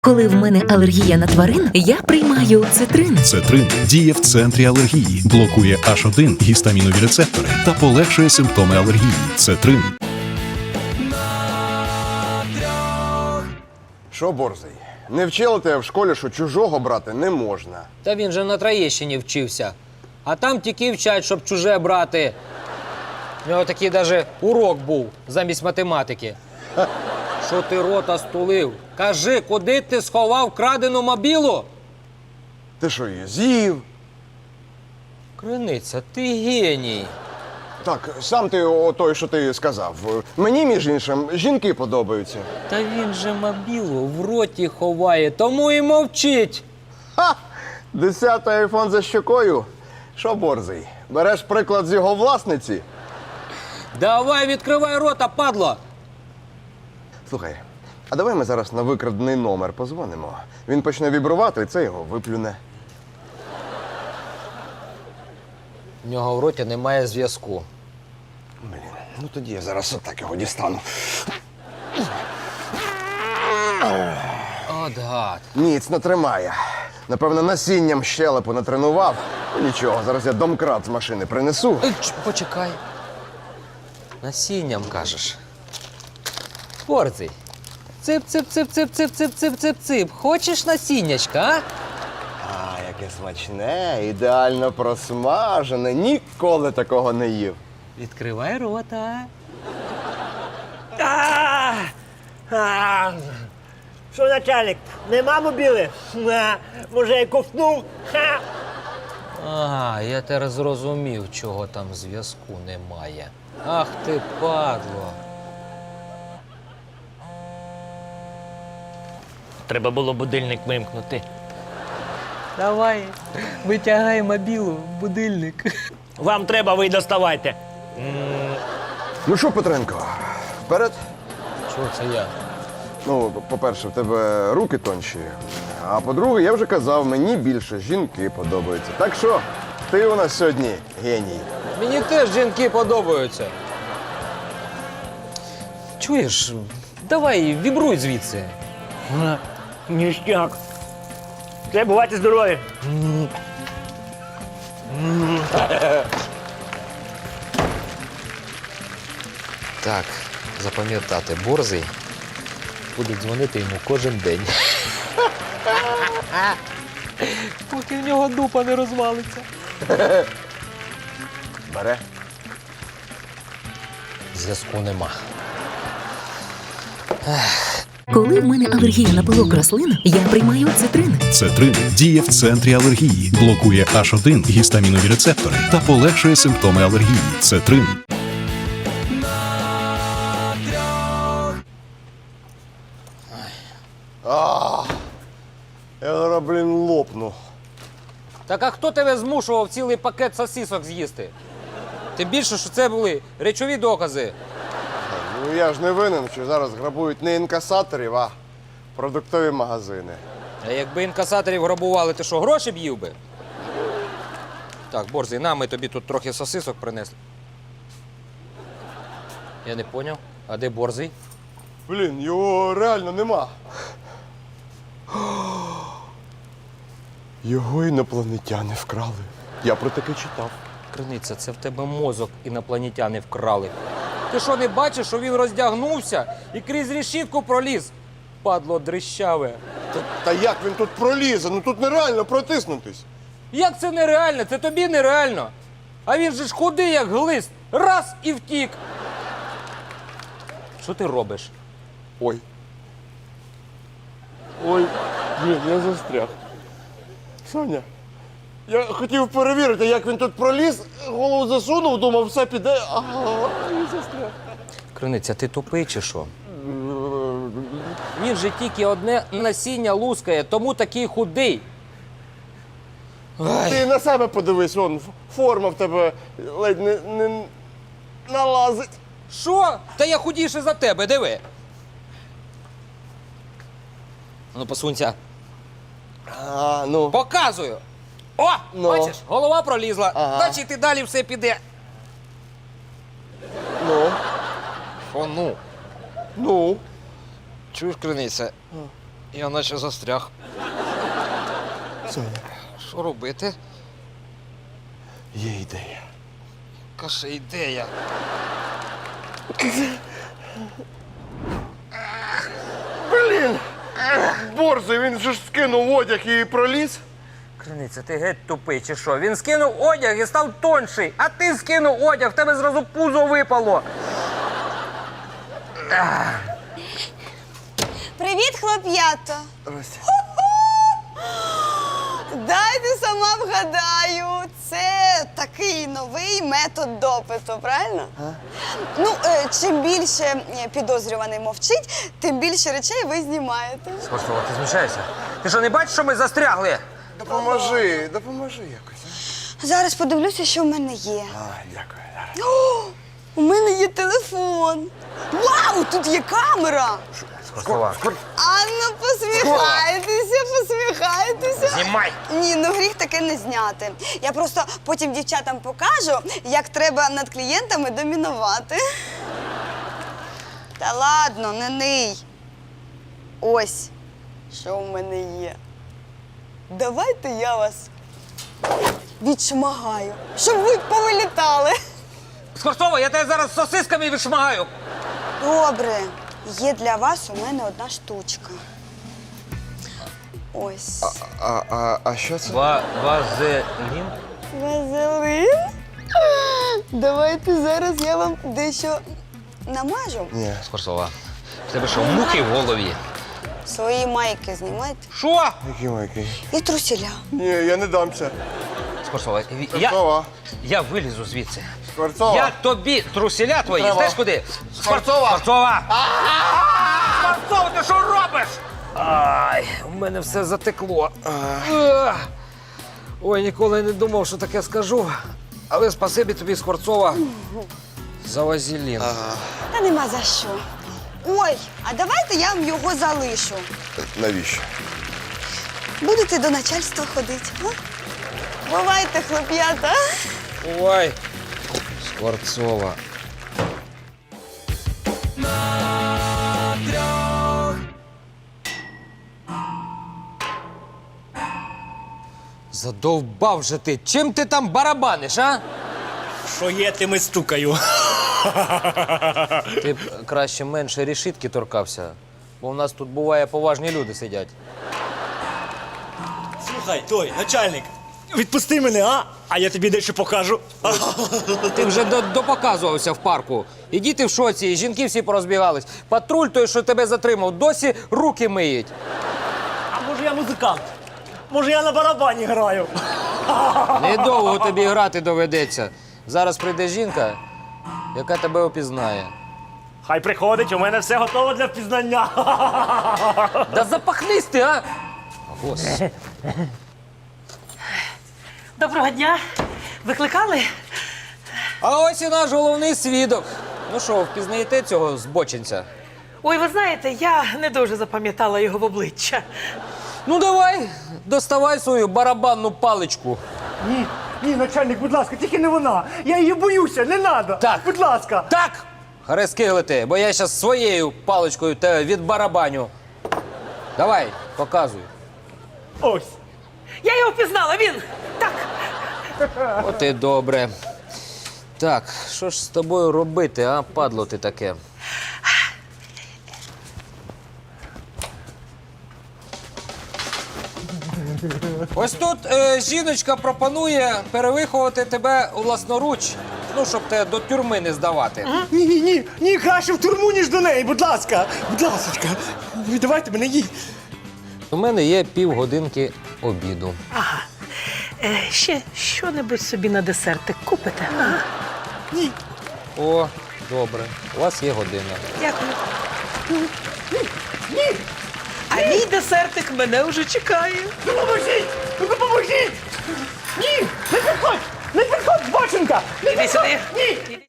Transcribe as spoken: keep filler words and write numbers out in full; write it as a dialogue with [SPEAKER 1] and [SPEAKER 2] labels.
[SPEAKER 1] Коли в мене алергія на тварин, я приймаю цитрин.
[SPEAKER 2] Цетрин діє в центрі алергії, блокує аш один гістамінові рецептори та полегшує симптоми алергії. Цетрин.
[SPEAKER 3] Що, Борзий, не вчили тебе в школі, що чужого брати не можна?
[SPEAKER 4] Та він же на Троєщині вчився. А там тільки вчать, щоб чуже брати. У нього такий даже урок був замість математики. Що ти рота стулив? Кажи, куди ти сховав крадену мобілу?
[SPEAKER 3] Ти що, її з'їв?
[SPEAKER 4] Криниця, ти геній.
[SPEAKER 3] Так, сам ти о той, що ти сказав. Мені, між іншим, жінки подобаються.
[SPEAKER 4] Та він же мобілу в роті ховає, тому і мовчить.
[SPEAKER 3] Ха! Десятий айфон за щокою? Що, Борзий, береш приклад з його власниці?
[SPEAKER 4] Давай, відкривай рота, падло!
[SPEAKER 3] Слухай, а давай ми зараз на викрадений номер позвонимо. Він почне вібрувати, і це його виплюне.
[SPEAKER 4] В нього в роті немає зв'язку.
[SPEAKER 3] Блін, ну тоді я зараз отак його дістану.
[SPEAKER 4] От гад.
[SPEAKER 3] Міцно тримає. Напевно, насінням щелепу натренував. Ну, нічого, зараз я домкрат з машини принесу.
[SPEAKER 4] Е, ч, Почекай. Насінням, кажеш. Борзий. Цип-цип-цип-цип-цип-цип-цип-цип-цип. Хочеш насіннячка, а?
[SPEAKER 3] А, яке смачне, ідеально просмажене. Ніколи такого не їв.
[SPEAKER 4] Відкривай рота.
[SPEAKER 5] А! А! Що, начальник, нема мобіли? А, може, я ковтнув? Ха!
[SPEAKER 4] А, я тепер зрозумів, чого там зв'язку немає. Ах ти, падло.
[SPEAKER 5] Треба було будильник вимкнути.
[SPEAKER 4] Давай, витягай мобілу в будильник.
[SPEAKER 5] Вам треба, ви й доставайте.
[SPEAKER 3] Ну що, Петренко, вперед?
[SPEAKER 4] Чого це я?
[SPEAKER 3] Ну, по-перше, в тебе руки тонші. А по-друге, я вже казав, мені більше жінки подобаються. Так що, ти у нас сьогодні геній.
[SPEAKER 4] Мені теж жінки подобаються. Чуєш, давай, вібруй звідси.
[SPEAKER 5] Ніштяк. Все, бувайте здорові.
[SPEAKER 4] Так, запам'ятати, Борзий буде дзвонити йому кожен день. Поки в нього дупа не розвалиться.
[SPEAKER 3] Бере.
[SPEAKER 4] Зв'язку нема.
[SPEAKER 1] Коли в мене алергія на пилок рослин, я приймаю цитрин.
[SPEAKER 2] Цетрин діє в центрі алергії, блокує аш один гістамінові рецептори та полегшує симптоми алергії. Цетрин.
[SPEAKER 3] А, я зараз, блін, лопну.
[SPEAKER 4] Так а хто тебе змушував цілий пакет сосисок з'їсти? Тим більше, що це були речові докази.
[SPEAKER 3] Ну я ж не винен, що зараз грабують не інкасаторів, а продуктові магазини.
[SPEAKER 4] А якби інкасаторів грабували, ти що, гроші б їв би? Так, Борзий, на, ми тобі тут трохи сосисок принесли. Я не поняв. А де Борзий?
[SPEAKER 3] Блін, його реально нема. Його інопланетяни вкрали. Я про таке читав.
[SPEAKER 4] Криниця, це в тебе мозок інопланетяни вкрали. Ти що, не бачиш, що він роздягнувся і крізь решітку проліз? Падло дрищаве.
[SPEAKER 3] Та, та як він тут пролізе? Ну тут нереально протиснутись.
[SPEAKER 4] Як це нереально? Це тобі нереально. А він же ж худий, як глист. Раз і втік. Що ти робиш?
[SPEAKER 3] Ой. Ой, блін, я застряг. Соня, я хотів перевірити, як він тут проліз, голову засунув, думав, все піде, ага, і застряг.
[SPEAKER 4] Криниця, ти тупий чи що? Він же тільки одне насіння лускає, тому такий худий.
[SPEAKER 3] Ти на себе подивись, вон, форма в тебе ледь не, не налазить.
[SPEAKER 4] Що? Та я худіше за тебе, диви. Ну, посунься.
[SPEAKER 3] А, ну.
[SPEAKER 4] Показую. О,
[SPEAKER 3] Ну.
[SPEAKER 4] бачиш, голова пролізла.
[SPEAKER 3] Ага.
[SPEAKER 4] Значить, і далі все піде.
[SPEAKER 3] Ну.
[SPEAKER 4] О, ну.
[SPEAKER 3] Ну.
[SPEAKER 4] Чуєш, Криниця? Я наче застряг.
[SPEAKER 3] Соня,
[SPEAKER 4] Що робити?
[SPEAKER 3] є ідея.
[SPEAKER 4] Каже, ідея.
[SPEAKER 3] Блін! Борзий, він же ж скинув одяг і проліз.
[SPEAKER 4] Криниця, ти геть тупий чи що? Він скинув одяг і став тонший, а ти скинув одяг, в тебе зразу пузо випало.
[SPEAKER 6] Привіт, хлоп'ята!
[SPEAKER 3] Здрасте.
[SPEAKER 6] Дайте сама вгадаю. Це такий новий метод допиту, правильно? А? Ну, е, чим більше е, підозрюваний мовчить, тим більше речей ви знімаєте.
[SPEAKER 4] Скорцова, ти змішаєшся? Ти що, не бачиш, що ми застрягли?
[SPEAKER 3] Допоможи, допоможи якось.
[SPEAKER 6] Зараз подивлюся, що в мене є.
[SPEAKER 3] А, дякую.
[SPEAKER 6] О, у мене є телефон. Вау, тут є камера.
[SPEAKER 4] Скорцова.
[SPEAKER 6] А ну посміхайтеся, посміхайтеся.
[SPEAKER 4] Знімай!
[SPEAKER 6] Ні, ну гріх таке не зняти. Я просто потім дівчатам покажу, як треба над клієнтами домінувати. Та ладно, не ний. Ось, що в мене є. Давайте я вас відшмагаю, щоб ви повилітали.
[SPEAKER 4] Скорцова, я тебе зараз сосисками відшмагаю.
[SPEAKER 6] Добре, є для вас у мене одна штучка. Ось.
[SPEAKER 3] А, а, а що це?
[SPEAKER 4] Ва вазелін?
[SPEAKER 6] Вазелин? Давайте зараз я вам дещо намажу.
[SPEAKER 3] Ні.
[SPEAKER 4] Скорцова, в тебе що, мухи в голові?
[SPEAKER 6] Свої майки знімайте.
[SPEAKER 4] Що?
[SPEAKER 3] Який майкий?
[SPEAKER 6] І трусіля.
[SPEAKER 3] Ні, я не дамся.
[SPEAKER 4] Скорцова, я,
[SPEAKER 3] Скворцова.
[SPEAKER 4] я вилізу звідси.
[SPEAKER 3] Скворцова.
[SPEAKER 4] Я тобі труселя твої,
[SPEAKER 3] Треба.
[SPEAKER 4] знаєш куди?
[SPEAKER 3] Скворцова.
[SPEAKER 4] Скворцова! Скворцова, ти що робиш? Ай, у мене все затекло. Ах. Ой, ніколи не думав, що таке скажу. Але спасибі тобі, Скворцова, за вазелін.
[SPEAKER 6] Та нема за що. Ой, а давайте я вам його залишу.
[SPEAKER 3] Навіщо?
[SPEAKER 6] Будете до начальства ходити. А? Бувайте, хлоп'ята.
[SPEAKER 4] Ой, Скворцова. Задовбав же ти. Чим ти там барабаниш, а?
[SPEAKER 5] Що є, тим і стукаю.
[SPEAKER 4] Ти б краще менше решітки торкався, бо в нас тут буває поважні люди сидять.
[SPEAKER 5] Слухай, той, начальник, відпусти мене, а? А я тобі дещо покажу.
[SPEAKER 4] Ти вже до- допоказувався в парку. І діти в шоці, і жінки всі порозбігались. Патруль той, що тебе затримав, досі руки миють.
[SPEAKER 5] А може я музикант? Може я на барабані граю?
[SPEAKER 4] Недовго тобі грати доведеться. Зараз прийде жінка, яка тебе опізнає.
[SPEAKER 5] Хай приходить, у мене все готово для впізнання.
[SPEAKER 4] Да запахнись ти, а! Господи.
[SPEAKER 7] Доброго дня. Викликали?
[SPEAKER 4] А ось і наш головний свідок. Ну що, впізнаєте цього збочинця?
[SPEAKER 7] Ой, ви знаєте, я не дуже запам'ятала його в обличчя.
[SPEAKER 4] Ну давай, доставай свою барабанну паличку.
[SPEAKER 5] Ні, ні, начальник, будь ласка, тільки не вона. Я її боюся, не треба.
[SPEAKER 4] Так.
[SPEAKER 5] Будь ласка.
[SPEAKER 4] Так! Харески бо я зараз своєю паличкою тебе відбарабаню. Давай, показуй.
[SPEAKER 5] Ось.
[SPEAKER 7] Я його впізнала, він! Так,
[SPEAKER 4] От і добре. Так, що ж з тобою робити, а, падло ти таке? Ось тут е, жіночка пропонує перевиховувати тебе власноруч, ну, щоб тебе до тюрми не здавати.
[SPEAKER 5] Ні, ні, ні, ні, краще в тюрму, ніж до неї, будь ласка. Будь ласочка, віддавайте мене їй.
[SPEAKER 4] У мене є півгодинки обіду.
[SPEAKER 7] ага. Е, ще що-небудь собі на десертик купите? Ага.
[SPEAKER 5] Ні.
[SPEAKER 4] О, добре. У вас є година.
[SPEAKER 7] Дякую. А мій десертик мене вже чекає.
[SPEAKER 5] Допоможіть! Допоможіть! Ні! Не підходь! Не підходь, збочинка! Не
[SPEAKER 7] Іди
[SPEAKER 5] підходь!
[SPEAKER 7] сюди.
[SPEAKER 5] Ні!